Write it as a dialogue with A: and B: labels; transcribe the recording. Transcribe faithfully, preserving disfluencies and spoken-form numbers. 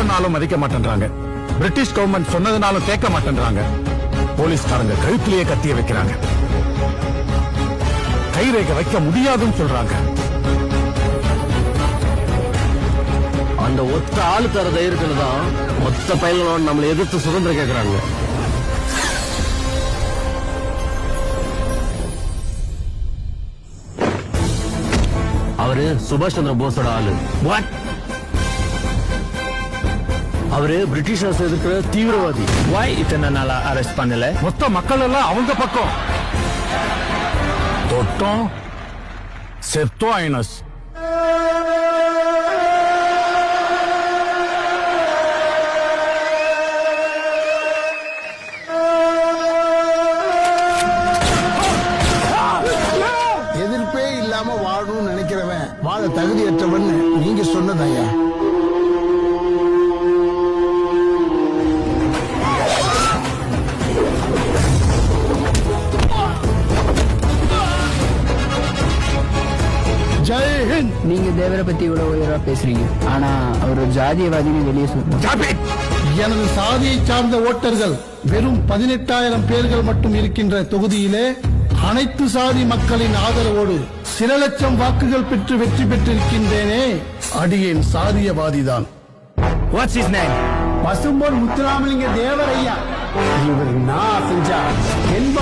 A: சொன்னாலும் மதிக்க மாட்டேன்றாங்க. பிரிட்டிஷ் கவர்மெண்ட் சொன்னதுனாலும் கேட்க மாட்டேன்றாங்க. போலீஸ்காரங்க கழுத்திலேயே கத்திய வைக்கிறாங்க. கைரேகை வைக்க முடியாதுன்னு சொல்றாங்க.
B: அந்த ஒத்த ஆளு தர தைரியத்துல தான் மொத்த பயிர்களோட நம்மளை எதிர்த்து சுதந்திரம் கேட்கறாங்க. அவரு சுபாஷ் சந்திர போஸோட ஆளு. அவரு பிரிட்டிஷ் அரசு எதிர்க்கிற தீவிரவாதி.
C: வாய் இத்தனை நாளா அரெஸ்ட் பண்ணல?
A: மொத்த மக்கள் எல்லாம் அவங்க பக்கம். தொட்டோம் செத்தோம் ஐனஸ்.
D: எதிர்ப்பே இல்லாம வாழணும்னு நினைக்கிறவன் வாழ தகுதியற்றவன் நீங்க சொன்னதையா? ஜெய்ஹிந்த்.
E: நீங்க தேவரை பத்தி இவ்வளவு உயர்வா பேசுறீங்க, ஆனா அவர் ஒரு ஜாதியவாதின்னு வெளியே சொல்றாங்க.
D: எனது சாதியை சார்ந்த ஓட்டர்கள் வெறும் பதினெட்டாயிரம் பேர்கள் மட்டும் இருக்கின்ற தொகுதியிலே அனைத்து சாதி மக்களின் ஆதரவோடு சில லட்சம் வாக்குகள் பெற்று வெற்றி பெற்றிருக்கின்றேனே, அடியேன் சாதியவாதிதான்.
C: What's his name?
D: பசும்பொன் முத்துராமலிங்க தேவரையா. இவர் நான் செஞ்சா என்ப